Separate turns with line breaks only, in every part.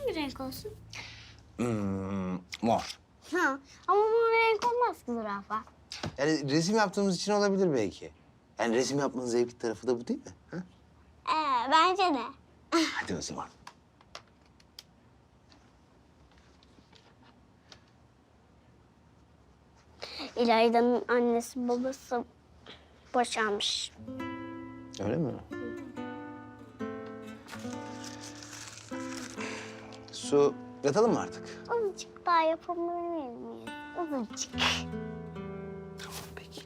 hangi renk olsun?
Mor.
Ha, ama mor renk olmaz ki zürafa.
Yani resim yaptığımız için olabilir belki. Yani resim yapmanın zevkli tarafı da bu değil mi? Ha?
Bence de.
Hadi o zaman.
İlayda'nın annesi babası boşanmış.
Öyle mi? Su, yatalım mı artık?
Azıcık daha yapabilir miyiz? Azıcık.
Tamam peki.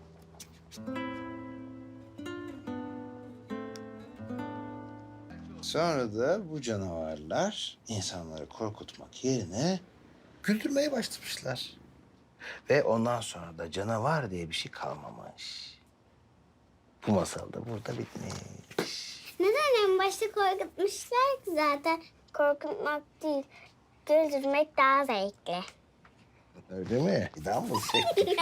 Sonra da bu canavarlar insanları korkutmak yerine güldürmeye başlamışlar. Ve ondan sonra da canavar diye bir şey kalmamış. Bu masal da burada bitmiş.
Neden en başta korkutmuşlar ki zaten? Korkutmak değil, güldürmek daha zevkli.
Öyle mi? Daha mı çektik?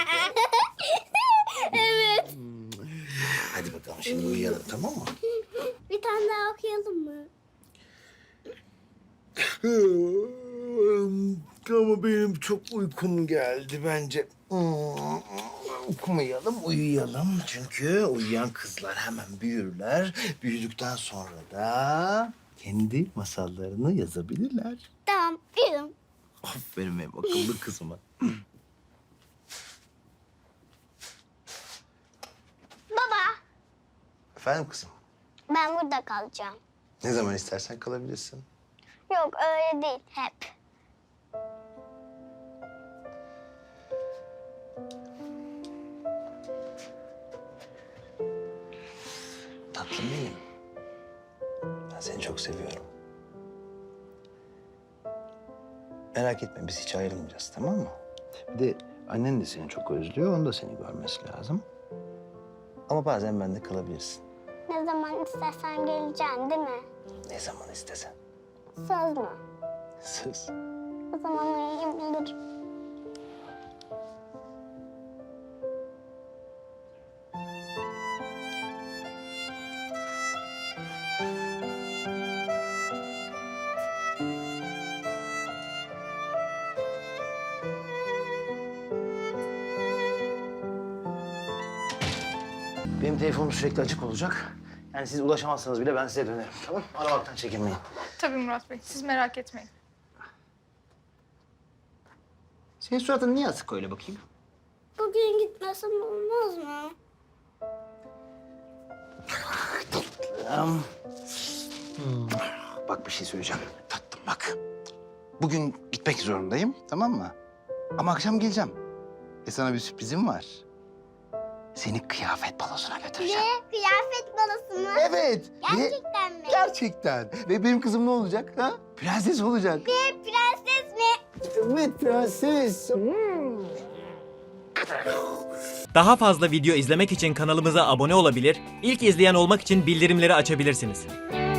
Evet.
Hadi bakalım şimdi uyuyalım, tamam mı?
Bir tane daha okuyalım mı?
Ama benim çok uykum geldi bence. Okumayalım, uyuyalım. Çünkü uyuyan kızlar hemen büyürler. Büyüdükten sonra da kendi masallarını yazabilirler.
Tamam, uyuyalım.
Aferin benim akıllı kızıma.
Baba,
Efendim kızım,
ben burada kalacağım.
ne zaman istersen kalabilirsin.
Yok, öyle değil, hep.
Tatlım benim. Ben seni çok seviyorum. Merak etme, biz hiç ayrılmayacağız, tamam mı? Bir de annen de seni çok özlüyor, onun da seni görmesi lazım. Ama bazen bende kalabilirsin.
Ne zaman istersen geleceksin, değil mi?
Ne zaman istesen.
Söz mü?
Söz.
O zaman uyuyabilirim.
Benim telefonum sürekli açık olacak. Yani siz ulaşamazsanız bile ben size dönerim, tamam? Aramaktan çekinmeyin.
Tabii Murat Bey, siz merak etmeyin.
Senin suratın niye asık öyle bakayım?
Bugün gitmesem olmaz mı?
Bak bir şey söyleyeceğim. Tatlım bak. Bugün gitmek zorundayım, tamam mı? Ama akşam geleceğim. Sana bir sürprizim var. Seni kıyafet balosuna götüreceğim.
Ne? Kıyafet balası mı?
Evet.
Gerçekten mi?
Gerçekten. Ve benim kızım ne olacak ha? Prenses olacak.
Ne? Prenses mi?
Evet prenses.
Daha fazla video izlemek için kanalımıza abone olabilir, ilk izleyen olmak için bildirimleri açabilirsiniz.